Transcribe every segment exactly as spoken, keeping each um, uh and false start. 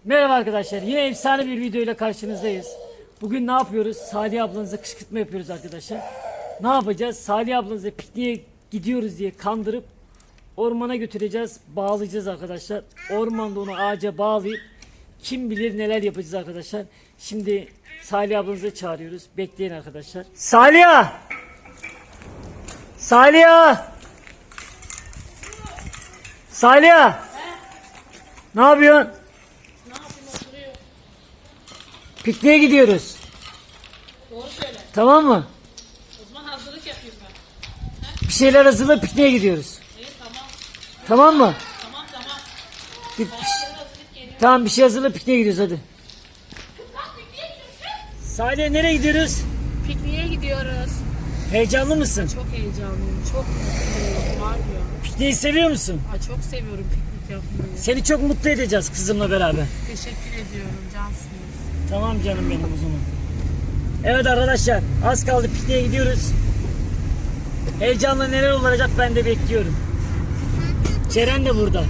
Merhaba arkadaşlar, yine efsane bir video ile karşınızdayız. Bugün ne yapıyoruz? Salih ablanıza kışkırtma yapıyoruz arkadaşlar. Ne yapacağız? Salih ablanıza pikniğe gidiyoruz diye kandırıp ormana götüreceğiz, bağlayacağız arkadaşlar. Ormanda onu ağaca bağlayıp kim bilir neler yapacağız arkadaşlar. Şimdi Salih ablanızı çağırıyoruz. Bekleyin arkadaşlar. Salih! Salih! Salih! Ne yapıyorsun? Pikniğe gidiyoruz. Doğru söyle. Tamam mı? O zaman hazırlık yapayım ben. Bir şeyler hazırla, pikniğe gidiyoruz. İyi tamam. Tamam mı? Tamam tamam. Bir, Ben yarın hazırlık geliyorum. tamam bir şey hazırla, pikniğe gidiyoruz hadi. Salih nereye gidiyoruz? Pikniğe gidiyoruz. Heyecanlı mısın? Çok heyecanlıyım. Çok mutluyum. Var ya. Pikniği seviyor musun? Ay, çok seviyorum piknik yapmayı. Seni çok mutlu edeceğiz kızımla beraber. Teşekkür ediyorum. Cansınız. Tamam canım benim o zaman. Evet arkadaşlar, az kaldı, pikniğe gidiyoruz. Heyecanla neler olacak ben de bekliyorum. Ceren de burada.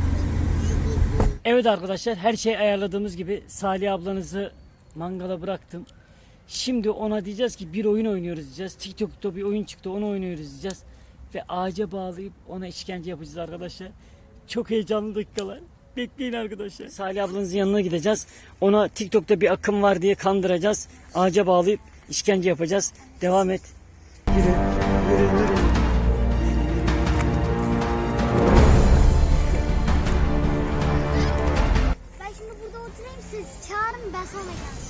Evet arkadaşlar, her şey ayarladığımız gibi Salih ablanızı mangala bıraktım. Şimdi ona diyeceğiz ki bir oyun oynuyoruz diyeceğiz. TikTok'ta bir oyun çıktı, onu oynuyoruz diyeceğiz. Ve ağaca bağlayıp ona işkence yapacağız arkadaşlar. Çok heyecanlı dakikalar. Bekleyin arkadaşlar. Salih ablanızın yanına gideceğiz. Ona TikTok'ta bir akım var diye kandıracağız. Ağaca bağlayıp işkence yapacağız. Devam et. Yürü, yürü, yürü. Ben şimdi burada oturayım, siz çağırın, ben sonra geleceğim.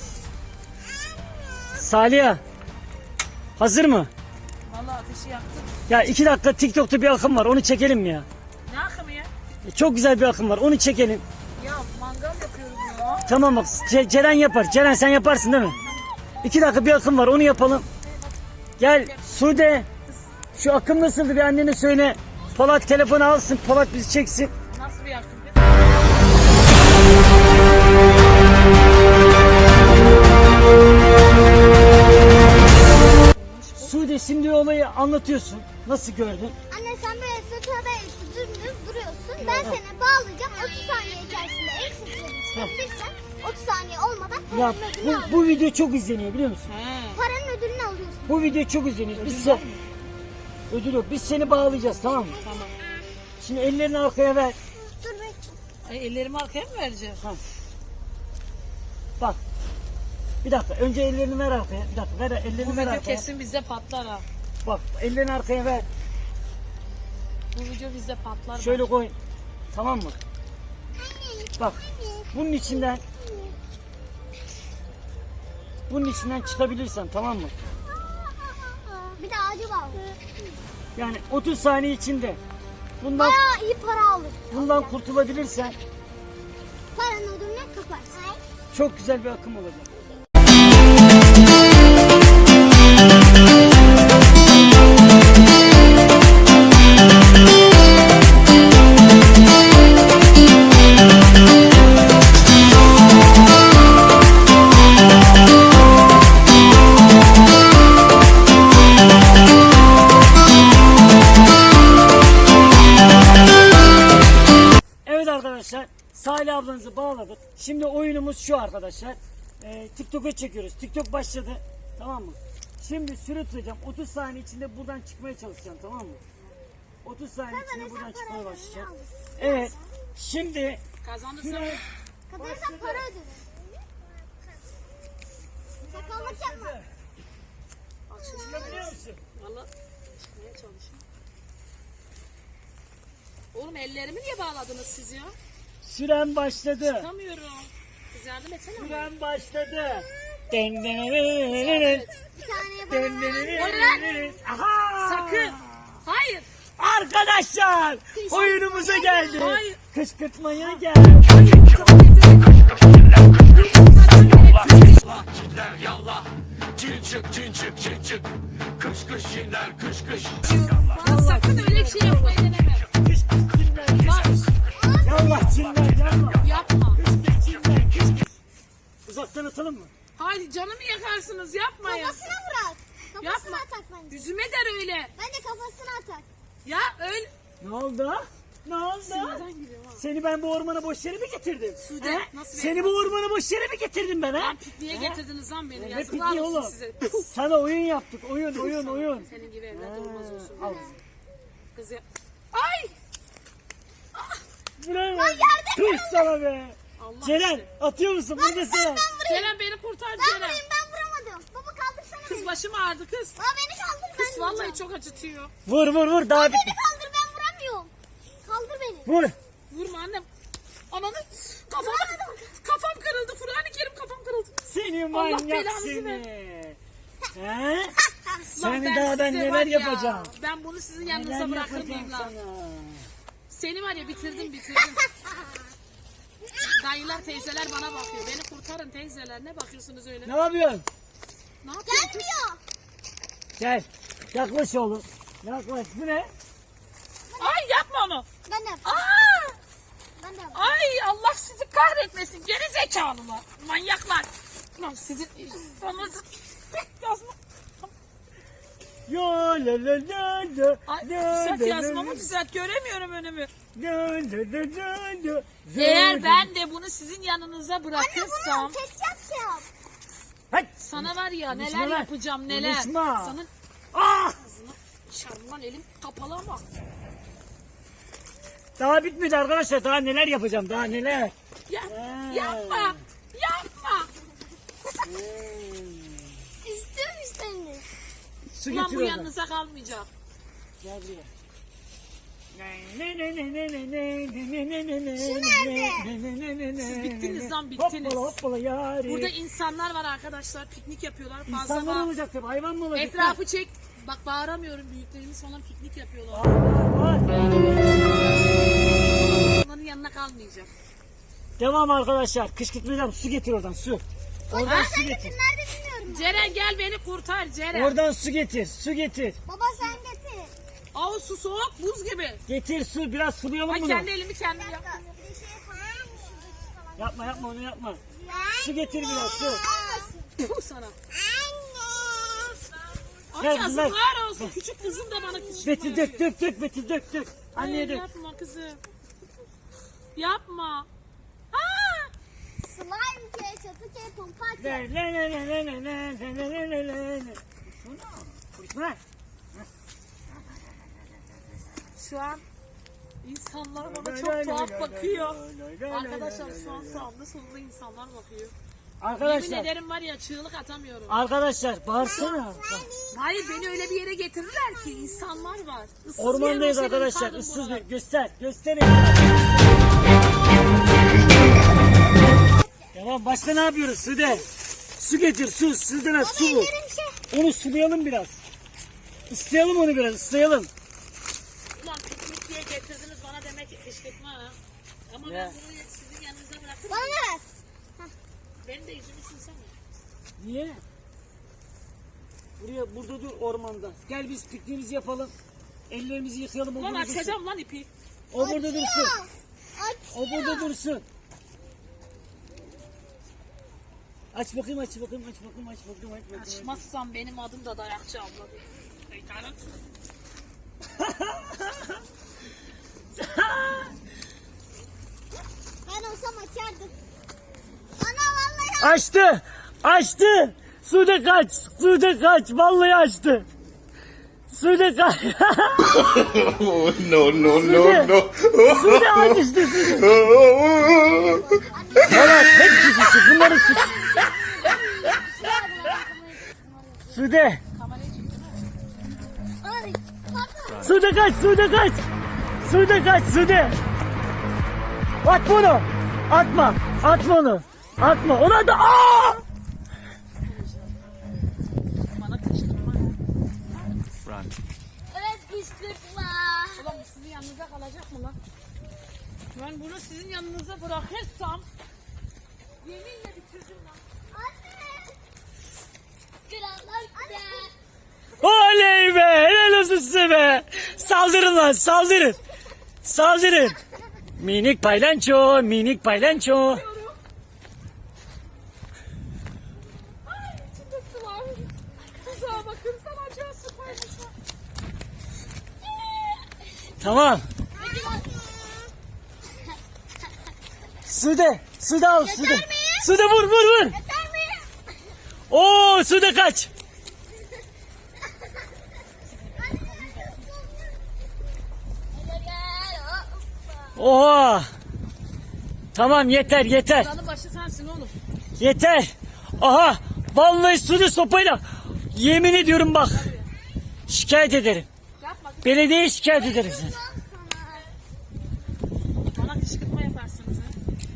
Salih, hazır mı? Vallahi ateşi yaktım. Ya iki dakika, TikTok'ta bir akım var, onu çekelim mi ya? Ne akımı ya? Çok güzel bir akım var, onu çekelim. Ya mangal yapıyorum ya. Tamam bak, Ce- Ceren yapar. Ceren sen yaparsın değil mi? İki dakika bir akım var, onu yapalım. Gel Sude. Şu akım nasıldı bir annene söyle. Polat telefonu alsın, Polat bizi çeksin. Nasıl bir akım? Sude şimdi olayı anlatıyorsun. Nasıl gördün? Anne sen böyle sırtada dümdüz duruyorsun. Ben seni bağlayacağım. otuz saniye içerisinde eksikleri çıkabilirsen otuz saniye olmadan Ya paranın ödülünü bu, alıyorsun. bu video çok izleniyor biliyor musun? He. Paranın ödülünü alıyorsun. Bu video çok izleniyor. Biz sen... Ödül yok. Biz seni bağlayacağız, tamam mı? Tamam. Şimdi ellerini arkaya ver. Dur bekle. Ay, ellerimi arkaya mı vereceğim? Ha. Bak. Bir dakika. Önce ellerini ver arkaya. Bir dakika. Ver ellerini Bu ver video arkaya. kesin bizde patlar ha. Bak ellerini arkaya ver. Bu video bizde patlar. Şöyle bak. koy. Tamam mı? Bak. Bunun içinden bunun içinden çıkabilirsen, tamam mı? Bir de ağacı bağlı. Yani otuz saniye içinde bundan Bayağı iyi para alır. bundan kurtulabilirsen Paranın ödülünü kaparsın. çok güzel bir akım olacak. Evet arkadaşlar, Salih ablanızı bağladık. Şimdi oyunumuz şu arkadaşlar. Ee, TikTok'a çekiyoruz. TikTok başladı. Tamam mı? Şimdi süre tutacağım. otuz saniye içinde buradan çıkmaya çalışacağım, tamam mı? otuz saniye içinde buradan çıkmaya başlayacağım. Evet. Şimdi Kazanırsa süre Kazanırsan para ödülü. Sakallık yapma. çıkabiliyor musun? valla çıkmaya çalışıyorum. Oğlum ellerimi niye bağladınız siz ya? Süren başladı. Çıkamıyorum. Kız yardım etsene. bana. Süren başladı. Den den den den. Bir tane Den bana den den Oraya. den. Aha! Sakın. Hayır. Arkadaşlar oyunumuza geldi. Hayır. Kışkırtmaya geldi. Çiller yallah, çin çık çin çık çin çık, kış kış çinler kış kış. Bana sakın öyle bir şey yapmayı deneme. Kış kış çinler. Bak Yallah çinler yallah. yapma. Kış kış çinler kış kış. Uzaktan atalım mı? Haydi canımı yakarsınız yapmayın. kafasına bırak. Kafasına Yapma. atak bence. Yüzüme der öyle. Bence kafasına atak. Ya öyle. Ne oldu? Ne oldu? Sinirden gülüyorum ha. Seni ben bu ormana boş yere mi getirdim? Sude, He? nasıl Seni bir bu ormana boş yere mi getirdim ben ha? Lan pikniğe getirdiniz lan beni. Ne Yazıklar pikniği olsun oğlum? size. Sana oyun yaptık. Oyun, oyun, oyun. Senin gibi evlat olmaz olsun. Al. Kız ya. Ay! Buraya bak. Tüh sana be. Allah Ceren aşkına. atıyor musun? Burada Ceren. Ceren beni kurtar Ben Ceren. vurayım ben vuramadım. Baba kaldırsana Kız beni. başım ağrıdı kız. Baba beni kaldır ben Kız vallahi vuracağım. çok acıtıyor. Vur vur vur daha Beni bitmedi. kaldır ben vuramıyorum. Kaldır beni. Vur. Vurma annem. Ananı kafam, kafam kırıldı. Kur'an-ı Kerim kafam kırıldı. Seni Allah manyak belanızı seni. He? Lan Seni daha ben size neler var ya, yapacağım. Ben bunu sizin Neler yanınıza bırakır yapacağım mıyım lan? sana? Seni var ya bitirdim bitirdim. Dayılar teyzeler bana bakıyor. Beni kurtarın teyzeler. Ne bakıyorsunuz öyle? Ne yapıyorsun? Ne yapıyorsun? Gelmiyor. Gel. Yaklaş oğlum. Yaklaş. Bu ne? Ay yapma onu. Ben de yaptım. Aa! Ben de yaptım. Ay Allah sizi kahretmesin. Geri zekalılar. Manyaklar. Lan sizin anınızı yazma. Yo la la la la. Ay la, düzelt la, yazmamı la, düzelt. Göremiyorum önümü. la, la, la, la, la. Eğer ben de bunu sizin yanınıza Anne bırakırsam bunu ketçap yap. Hadi. sana var ya Konuşma neler lan. yapacağım neler. Konuşma. Sana Ah! şarman elim kapalı ama. Daha bitmedi arkadaşlar. Daha neler yapacağım. Daha neler. Ya, Ha. yapma. Yapma. İstiyorum seni. Su Ulan getir bu oradan. yanınıza kalmayacak. Gel buraya. Ne ne ne ne ne ne ne ne ne ne Şu ne nerede? ne ne ne ne Siz ne bittiniz ne. lan, bittiniz. Hoppala hoppala yari. Burada insanlar var arkadaşlar. Piknik yapıyorlar. Fazla İnsanlar bağ- olacak tabii. Hayvan mı olacak? Etrafı çek. Bak bağıramıyorum. Büyüklerimiz falan piknik yapıyorlar. Var, var, var. Onların yanına kalmayacak. Devam arkadaşlar. Kışkırtmayacağım. Su getir oradan su. Oradan Baba su sen getir. getir. Nerede bilmiyorum ben. Ceren gel beni kurtar Ceren. Oradan su getir. Su getir. Baba sen getir. Aa su soğuk buz gibi. Getir su. Biraz sulayalım Ay bunu. kendi elimi kendim Bir yaptım. dakika. Bir şey yapalım. Şuradaki falan. Yapma yapma onu yapma. Anne. Su getir biraz su. Puh sana. Anne. Ay Gel kızlar. yazıklar olsun. Küçük kızım da bana küçük. Betül dök dök dök Betül dök dök. Anneye Hayır dök. yapma kızım. Yapma. Aa! Slime ketçapı şey pompa Le atıyor. le le le le le le le le le le le. Şuna. Konuşma. Şu an insanlar bana çok tuhaf bakıyor. Arkadaşlar şu an sağımda solumda insanlar bakıyor. Yemin Arkadaşlar. ederim var ya çığlık atamıyorum. Arkadaşlar bağırsana. Bak, Hayır beni öyle bir yere getirirler ki insanlar var. Issız bir yer ormandayız olsaydı arkadaşlar. yıkardım Issız buraları. bir göster. Gösterin. Tamam başka ne yapıyoruz Sude? Su getir su. Sude'ne su bu. Ellerim şey. Onu sulayalım biraz. Islayalım onu biraz ıslayalım. Ulan piknik diye getirdiniz bana demek ki kışkırtma ha. Ama Ya. ben bunu sizin yanınıza bırakırım. Bana ver. Benim de yüzümü silsene. Niye? Buraya burada dur ormanda. Gel biz pikniğimizi yapalım. Ellerimizi yıkayalım. O Ulan burada dursun. açacağım lan ipi. O burada dursun. Açıyor. O burada dursun. Aç bakayım aç bakayım aç bakayım aç bakayım aç bakayım. Açmazsam benim adım da dayakçı abla değil. Şeytanım. Ben olsam açardım. Ana vallahi Açtı. Açtı. Sude kaç. Sude kaç. Vallahi açtı. Sude kaç. Oh, no, no, Sude. no, no. Sude açtı. Sude. Evet hepsi suçu. Bunların suçu. Sude. Kamerayı çektim. Ay, pardon. Sude kaç. Sude kaç. Sude kaç. Sude. At bunu. Atma. Atma onu. Atma. Ona da. Aa! Bana kışkırtma. Evet kışkırtma. Ulan bu sizin yanınıza kalacak mı lan? Ben bunu sizin yanınıza bırakırsam yeminle bitirdim lan. Anne. Krallar gider. Oley be! Helal olsun size be! Saldırın lan saldırın! Saldırın! Minik paylanço, minik paylanço. Ay içinde su var. Tuzağa bakın sana acıyor su koymuşlar. Tamam. Hadi bak. Sude. Sude al Sude. Sude vur vur vur. Yeter mi? Oo Sude kaç. Oha. Tamam yeter yeter. Kralın başı sensin oğlum. Yeter. Aha. Vallahi Sude sopayla. Yemin ediyorum bak. Şikayet ederim. Yapma. Belediyeye şikayet ederim seni. Bana kışkırtma yaparsınız ha.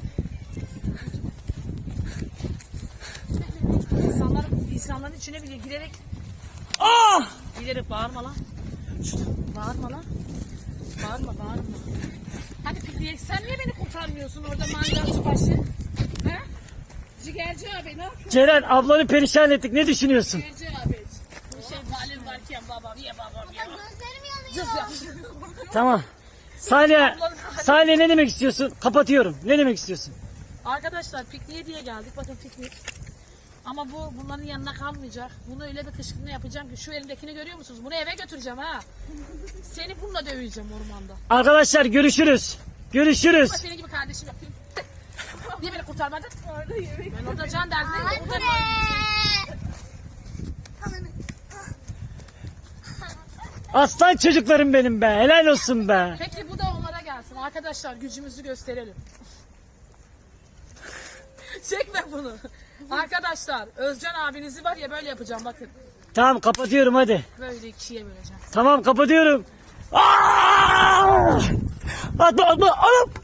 İnsanlar, insanların içine bile girerek Ah! girerek bağırma lan. Bağırma lan. Bağırma bağırma. Hadi pikniğe sen niye beni kurtarmıyorsun orada mangalcı başı? Ha? Cigerci abi ne yapıyorsun? Ceren ablanı perişan ettik. Ne düşünüyorsun? Cigerci abi. Bu şey halim varken babam ye babam ye. Gözlerim yanıyor. Cız ya. Tamam. Salih, Salih ne demek istiyorsun? Kapatıyorum. Ne demek istiyorsun? Arkadaşlar pikniğe diye geldik. Bakın piknik. Ama bu bunların yanına kalmayacak. Bunu öyle bir kışkırtma yapacağım ki şu elimdekini görüyor musunuz? Bunu eve götüreceğim ha. Seni bununla döveceğim ormanda. Arkadaşlar görüşürüz. Görüşürüz. Ama senin gibi kardeşim yapayım. Niye beni kurtarmadın? Ben orada can derdindeyim. Hadi Orada- be. Aslan çocuklarım benim be. Helal olsun be. Peki bu da onlara gelsin. Arkadaşlar gücümüzü gösterelim. Çekme bunu. Arkadaşlar Özcan abinizi var ya böyle yapacağım bakın. Tamam kapatıyorum hadi. Böyle ikiye böleceğim. Tamam kapatıyorum. Aa! Atma atma. Anam.